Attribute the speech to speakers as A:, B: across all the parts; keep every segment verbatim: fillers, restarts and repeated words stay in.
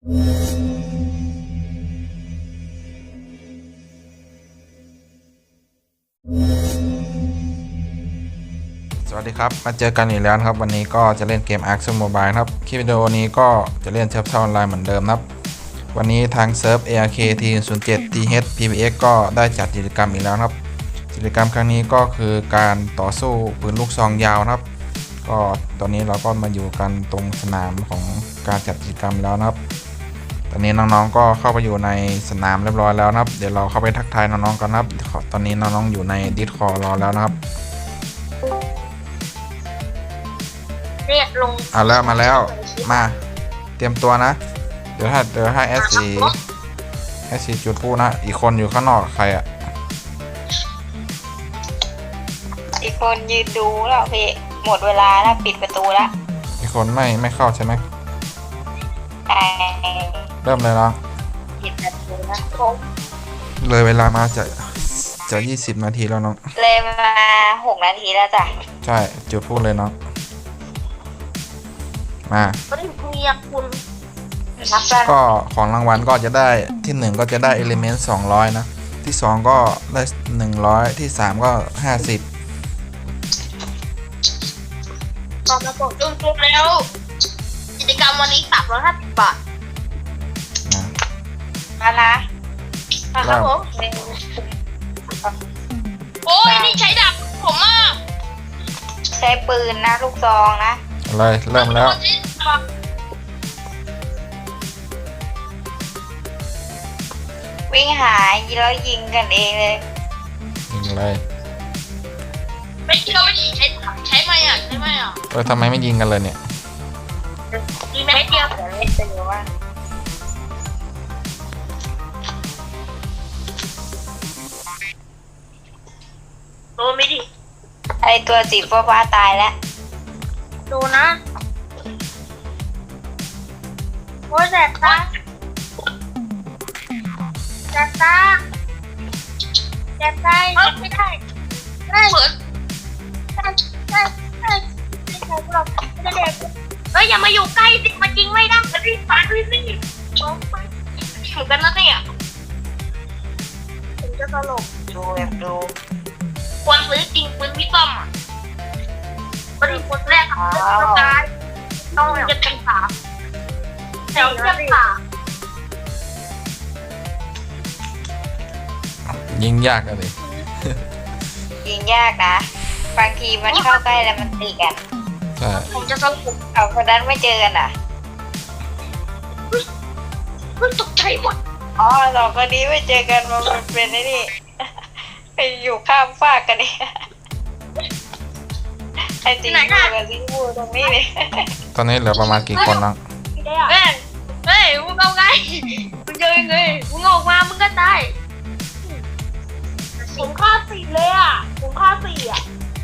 A: สวัสดีครับมาเจอกันอีกแล้วครับวันนี้ก็จะเล่นเกม Ark Mobile ครับคลิปวิดีโอนี้ก็จะเล่นเซิร์ฟออนไลน์เหมือนเดิมครับวันนี้ทางเซิร์ฟ เอ อาร์ เค ที ศูนย์ เจ็ด ที เอช พี บี เอ็กซ์ ก็ได้จัดกิจกรรมอีกแล้วครับกิจกรรมครั้งนี้ก็คือการต่อสู้ปืนลูกซองยาวครับก็ตอนนี้เราก็มาอยู่กันตรงสนามของการจัดกิจกรรมแล้วนะครับตอนนี้น้องๆก็เข้าไปอยู่ในสนามเรียบร้อยแล้วนะครับเดี๋ยวเราเข้าไปทักทายน้องๆกันครับตอนนี้น้องๆอยู่ใน Discord รอแล้วนะครับ
B: เรียกลง
A: เอาแล้วมาแล้วมาเตรียมตัวนะเดี๋ยวถ้าเดี๋ยวให้แอสซีแอสซีจุดพูดนะอีกคนอยู่ข้างนอกใครอ่ะ
B: อีกคนยืนดูแล้วพี่หมดเวลาแล้วปิดประตูแล้ว
A: อีกคนไม่ไม่เข้าใช่ไหม
B: ใช่
A: เริ่มเลยเนาะ
B: ปิดประตูนะ
A: เลยเวลามาจะจะยี่สิบนาทีแล้วน้อง
B: เลยมาหกนาทีแล้วจ้ะ
A: ใช่จุดพูดเลยเนาะมา
B: ก็ได้คุยกับคุณ
A: ก็ของรางวัลก็จะได้ที่หนึ่งก็จะได้เอลิเมนต์สองร้อยนะที่สองก็ได้หนึ่งร้อยที่สามก็ห้าสิบ
B: ตอนมาบอกจุ่มจุ่มแล้วกิจกรรมวันนี้สามร้อยห้าสิบบาทมาละครับผมโอ้ยนี่ใช้ดาบผมอ่ะใช้ปืนนะลูกซองนะ
A: อะไรเริ่มแล้ว
B: วิ่งหาแล้วยิงกันเองเลย
A: ยิงอะไร
B: ไม่เชื่อไม่ใช้ใช้ไหมอ่ะใช้ไหมอ่ะ
A: เออทำไมไม่ยิงกันเลยเนี่ย
B: ยิงไม่เดียวแต่ไม่เจอว่าโดนไม่ดิไอตัวสีฟ้าตายแล้วดูนะโอ้ยแสบตาแสบตาแสบใจไม่ได้ไม่เหมือนใช่ใช่ใช่ไม่ใช่หรอกไม่ได้เด็กเฮ้ยอย่ามาอยู่ใกล้สิมันยิงไม่ได้มันรีบฟันรีบรีบร้องไปเหมือนกันนะเนี่ยผมจะตลกดูแบบดูควรซื้อจริงปืนวิต้อมอ่ะบริคนแรกของเรื่องกายต้องจะเป็นสามแถวจะสาม
A: ยิงยากอะเลย
B: ยิงยากนะบางทีมันเข้าใกล้แล้วมันตีกัน
A: ใช่
B: ผมจะสรุปเอาคนนั้นไม่เจอกันอ่ะมันตกใจหมดอ๋อสองคนนี้ไม่เจอกันมันเป็นไอ้นี่ไปอยู่ข้ามฟากกันเนี่ยไอ้ตีบูกับตีบูตรงนี้เลย
A: ตอนนี้เหลือประมาณกี่คนน้อง
B: เฮ้ยเฮ้ยมึงเอาไงมึงเจอไงมึงออกมามึงก็ตายผมฆ่าสี่เลยอ่ะผมฆ่าสี่อ่ะ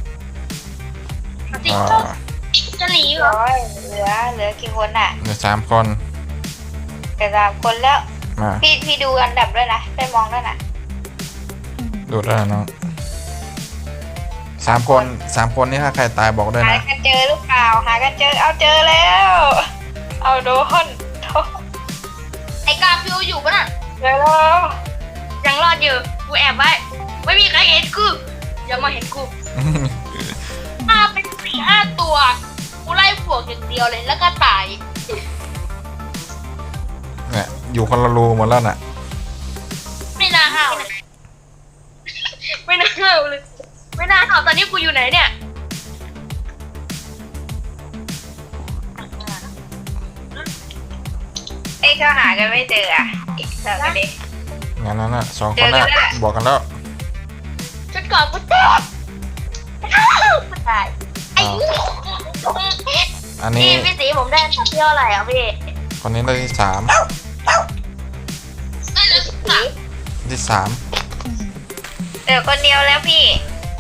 B: สี่จะหนีเหรอเหลือเหลือกี่คนอ่ะ
A: เหลือสามคน
B: แต่สามคนแล้วพี่พี่ดูอันดับด้วยนะได้มองด้วยนะ
A: ดูได้น้องสามคนสามคนนี่ถ้าใครตายบอกด้วยนะ
B: หากันเจอหรือเปล่าหากันเจอเอาเจอแล้วเอาโดนไอ้กาฟิวอยู่ปะน่ะเจอแล้วยังรอดอยู่กูแอบไว้ไม่มีใครเห็นกูอย่ามาเห็นกูมาเป็นสี่ห้าตัวกูไล่พวกอย่างเดียวเลยแล้วก็ตาย
A: เนี่ยอยู่คนละรูหมดแล้วน่ะ
B: ไม่น่าห้าวเลยไม่น่าห้าวเลยไม่น่าห้าวตอนนี้กูอยู่ไหนเนี่ยไอ้เขาหากันไม่เจออ่ะอีกสองคนนี้
A: งั้นนั่นน่ะสองคนน่ะบอกกันแล้ว
B: ชุดก่อนกูตายตายไอ้
A: อันนี้
B: พี่สีผมได้สักเที่ยวอะไรอ่ะพี่
A: คนนี้ได้ที่สาม
B: ได้เลยสี
A: ที่สาม
B: เดี๋ยวคนเดียวแล้วพี่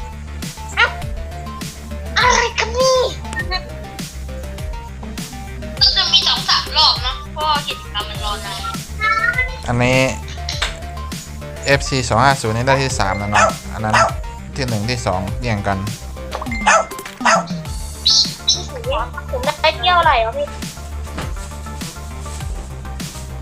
B: อะไรกันนี่ต้องจะมีสองสามรอบเนาะเพราะกิจกรรมมันรอนาน
A: อันนี้ เอฟ ซี สองห้าศูนย์นี่ได้ที่สามแล้วเนาะอันนั้นที่หนึ่งที่สองแย่งกัน
B: ผมได้เที่ยวอะไรอ่ะพี่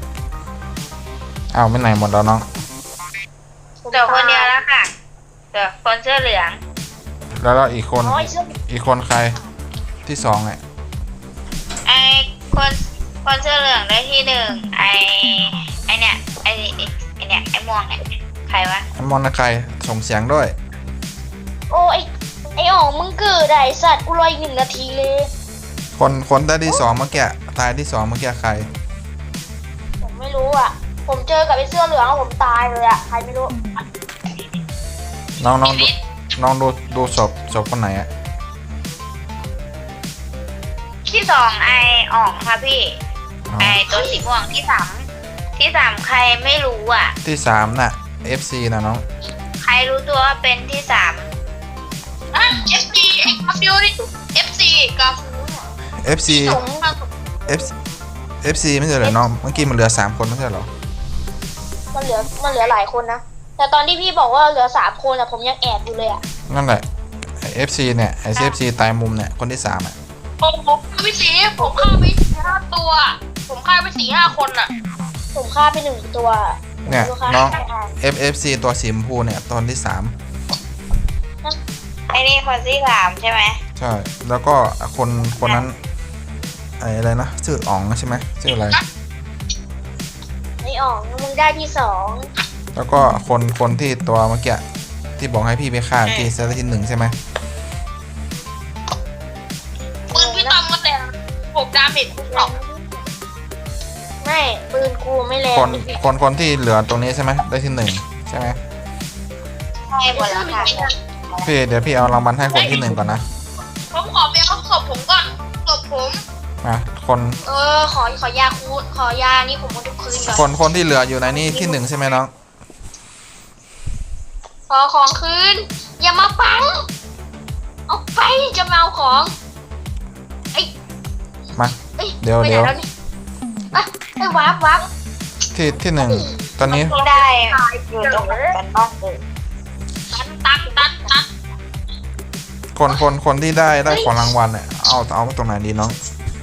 A: อ้าวไม่ไหนหมดแล้วน้อง
B: เหลือคนเดียวแล้วค่ะเหลือคนเสื้อเหลือง
A: แล้วแล้วอีกคน
C: น้อยเชื่อ
A: อีกคนใครที่สองเนี่ย
B: ไอคนคนเสื้อเหลืองได้ที่หนึ่งไอไอเนี่ยไอไอเนี่ยไอม่วงเนี่ยใครวะ
A: ไอ้มอนนะใครส่งเสียงด้วย
C: โอ้ยไอ้อ๋องมึงเกิดไอ้สัตว์กูรออีกหนึ่งนาทีเลย
A: คนคนได้ที่สองเมื่อกี้ตายที่สองเมื่อกี้ใคร
C: ผมไม่รู้อ่ะ ผมเจอกับไอ้เสื้อเหลืองแล้วผมตายเลยอ่ะใครไม่รู้
A: น้องน้องดูน้องดูดูศพศพคนไหนอะ
B: ที่สองไออ่องค่ะพี่
A: อ๋อ
B: ไอตัวสีม่วงที่สามที่สามใครไม่รู้อ่ะ
A: ที่สามน่ะ เอฟ ซี นะน้อง
B: ใครรู้ตัวว่าเป็นที่สามอ่ะ เอฟ ซี ไอ้กาฟิวนี่ เอฟ ซี กาฟิว
A: เอฟ ซี F FC ไม่ใช่เหรอน้องเมื่อกี้มันเหลือสามคนไม่ใช่เหรอ
C: มันเหลือมันเหลือหลายคนนะแต่ตอนที่พี่บอกว่าเหลือสามคนอะผมยังแอบอยู่เลยอะ
A: นั่นแหละไอ้ เอฟ ซี เนี่ยไอ้ เอฟ ซี ตายมุมเนี่ยคนที่สามอ่ะ
B: ผมผมฆ่าไปสี่ผมฆ่าไปห้าตัว ผมฆ่าไปสี่ห้าคนอ่ะ
C: ผมฆ่าไปหนึ่งตัว
A: เนี่ย
C: ผมฆ่า
A: น้อง
C: ไปห้า
A: F F C ตัวสีชมพูเนี่ยตอนที่สาม
B: ไอ้นี่คนที่สามใช่ไหม
A: ใช่แล้วก็คนคนนั้นไอ้อะไรนะชื่ออ๋องใช่ไหมชื่ออะไร
C: ไอ้อ๋องมึงได้ที่สอง
A: แล้วก็คนคนที่ตัวเมื่อกี้ที่บอกให้พี่ไปฆ่าที่เซตที่หนึ่งใช่ไหม
B: ปืนพี่ตอมก็แต่หกดาเมจสอง
C: ไม่ปืนกูไม่แรง
A: คนคนคนที่เหลือตรงนี้ใช่ไหมได้ที่หนึ่งใช่ไหม
B: ใช่หมดแล้วค่ะ
A: พี่เดี๋ยวพี่เอารางวัลให้คนที่หนึ่งก่อนนะ
B: ผมขอไปเอาศพผมก่อนศพผม
A: มาคน
C: เออขอขอยาคูขอยานี่ผมมาทุกคืนก่อน
A: คนคนที่เหลืออยู่ในนี่ที่หนึ่งใช่ไหมน้อง
C: ขอของคืนอย่ามาปังเอาไปจะมาเอาของไอ้
A: มา
C: เอ้ย
A: เดี๋ยว
C: ไปไหน
A: เดี๋ยว
C: แล้นี่อ่ะไอ้วับวับ
A: ที่ที่หนึ่งตอนนี้
B: ที่ได้อยู่ตรงกันบ้างเลยตันตันตันตัน
A: คนคนคนที่ได้ได้ของรางวัลเนี่ยเอาเอาตรงไหนดีน้อง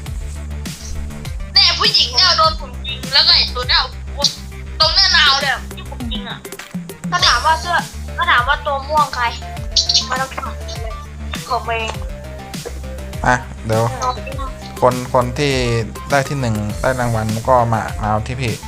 B: เนี่ยผู้หญิงเนี่ยโดนผมยิงแล้วก็ไอ้ตัวเนี่ยตรงเนี้ยนาวเลยที่ผมยิงอ่ะ
C: ก็ถามว่าเสื้อก็ถามว่าตัวม่วงใครมาต้องถามเลยผมเอง
A: อ่ะเดี๋ยว
C: น้องพี่น้อง
A: คนคนที่ได้ที่หนึ่งได้รางวัลก็มามาเอาที่พี่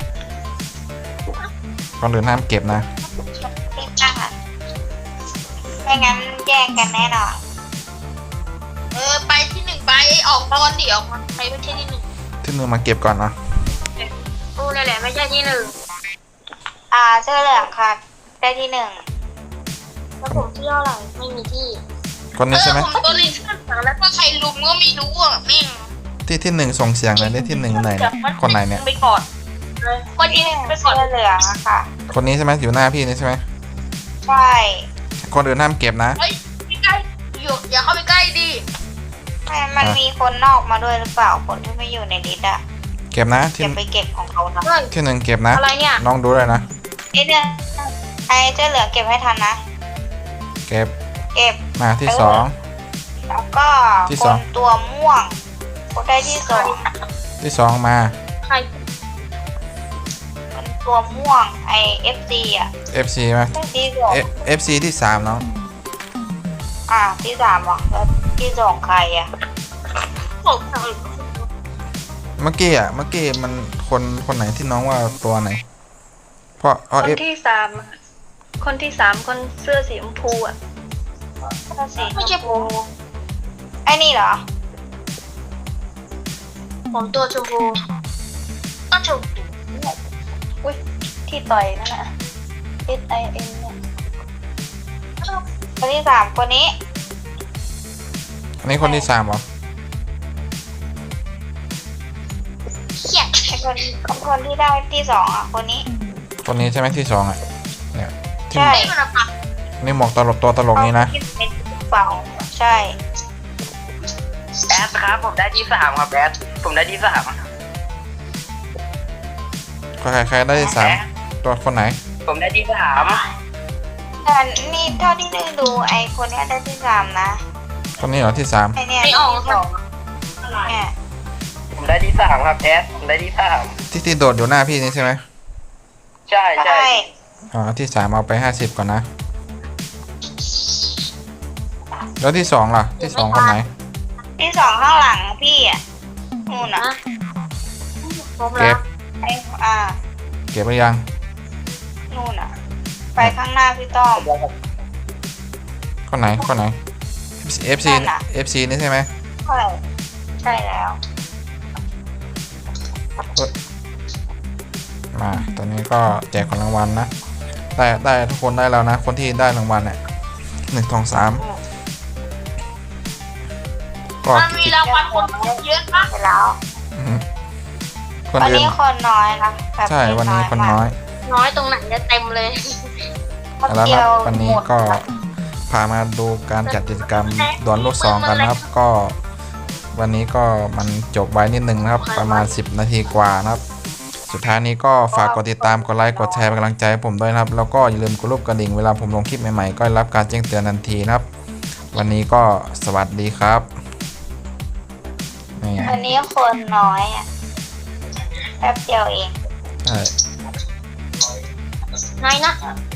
A: คนอื่นห้ามเก็บนะ
B: พี่จ้าไม่งั้นแย่งกันแน่นอนเออไปที่หนึ่งไปออกตอนเดียวไปไปที่ที่หนึ่ง
A: ที่หนึ่งมาเก็บก่อนนะ
C: กูนี่แหละไม่ใช่ที่หนึ่ง
B: อ่าเสื้อเหลืองค่ะได้ที่หนึ่ง
C: แล้วผมที่เท่าไหร่ไม่มีที่
A: คนนี้ใช่ไหม
B: ผมตัวนี้เสื้อเหลืองแล้วก็ใครลุมก็ไม่รู้อ่ะแม่ง
A: ที่ที่หนึ่งส่งเสียงเลยได้ที่หนึ่งไหนเนี่ยคนไหนเนี่ย
B: ไปก่อนคนที่หนึ่งไปก่อนเสื้อเหลืองอะค่ะ
A: คนนี้ใช่ไหมอยู่หน้าพี่นี่ใช่ไหม
B: ใช่
A: คนอื่นห้ามเก็บนะ
B: เฮ้ยไม่ใกล้อยู่อย่าเข้าไปใกล้ดิมันมีคนนอกมาด้วยหรือเปล่าคนที่ไม่อยู่ในลิสต์อะ
A: เก็บนะที่
B: จะไปเก็บของเขานะ
C: เฮ้ย
A: ที่หนึ่งเก็บนะ
C: อะไรเนี่ย
A: น้องดูเลยนะ
B: ไอเนี่ยไอเสื้อเหลืองเก็บให้ทันนะ
A: เก็บ
B: เก็บ
A: มาที่สอง
B: แล้วก็
A: ที่
B: ค
A: สอง
B: นตัวม่วงคนได้ที่สอง
A: ที่สองมา
C: ใคร
B: คนตัวม่วงไอเอฟซีอ่ะ
A: เอฟ ซี มา
B: ที่สอง
A: เอฟ ซี ที่สามน้อง
B: อ่าที่สามเหรอแล้วที่สองใครอ่ะผม
A: เมื่อกี้อ่ะเมื่อกี้มันคนคนไหนที่น้องว่าตัวไหน เพราะเพราะ
D: คน
A: เอฟ
D: ที่สามอะคนที่สามคนเสื้อสีชมพูอ่ะ
B: ไม่ใช่ผมไอนี่เหรอ
C: ผมตัวชมพู
B: ก็ถูก
D: อุ้ยที่ต่อยนั่นน่ะ S I N เนี่ย
B: คนที่สามคนนี้
A: อันนี้คนที่สามเหรอ
C: เขียด
B: ไอคนคนที่ได้ที่สองอ่ะคนนี้
A: คนนี้ใช่ไหมที่สองอ่ะเนี่ยที่
B: ใช่
A: นี่หมวกตลกตัวตลกนี้นะ
B: เป็นเปล่าใช่
E: แอดครับผมได้ที่สามครับแอดผมได้ที่สาม
A: ใครใครได้ที่สามตัวคนไหน
E: ผมได้ที่สาม
B: แต่นี่เท่าที่ดูดูไอคนเนี้ยได้ที่สามนะ
A: คนนี้เหรอที่สาม
B: ไอเนี่ย
C: ไม่ออก
B: ที่สองเนี่ย
E: ผมได้ที่สามครับแอดผมได้ที่สาม
A: ที่ที่โดดอยู่หน้าพี่นี่ใช่ไหม
E: ใช่ใช่
B: ใช่
A: อ๋อที่สามเอาไปห้าสิบก่อนนะ แล้วที่สองล่ะ ที่สองคนไหน
B: ที่สองข้างหลังพี่อ่ะนู่นอ่ะ
C: นะผม
A: เก็
C: แล้
A: บ
C: ว
B: ไอ้อ่า
A: เก็บหรือยัง
B: นู่นอ่ะ ไปข้างหน้าพี่ต้อม
A: คนไหน คนไหน เอฟ ซี
B: นั่นน่ะ
A: เอฟ ซี นี่ใช่ไหม
B: ใช่ใช่แล้ว
A: มาตอนนี้ก็แจกของรางวัลนะ ได้ได้ทุกคนได้แล้วนะ คนที่ได้รางวัลเนี่ยหนึ่งสองสามก็
C: มันมีรางวัลคนเยอะมาก
B: ไปแล้ว
A: อืมคน
B: วัน
A: อื่น
B: นี้คนน้อยนะแบบ
A: ใช่วันนี้คนน้อย
C: น้อยตรงไหนจะเต็มเลย
B: มาก
A: แล้ว
B: เดี
A: นะ
B: ยว
A: วันนี้
B: หมด
A: ก็พามาดูการจัดกิจกรรมดวลลูกซองกันนะครับ ก็วันนี้ก็มันจบไว้นิดนึงนะครับ ประมาณสิบนาทีกว่านะครับ สุดท้ายนี้ก็ฝากกดติดตามกดไลค์กดแชร์เป็นกำลังใจให้ผมด้วยนะครับ แล้วก็อย่าลืมกดรูปกระดิ่งเวลาผมลงคลิปใหม่ๆก็ได้รับการแจ้งเตือนทันทีนะครับ วันนี้ก็สวัสดีครับนี่
B: วันนี้คนน้อยอ่ะแป๊บเดียวเอง
A: ใช่
C: ไงนะ
B: ไ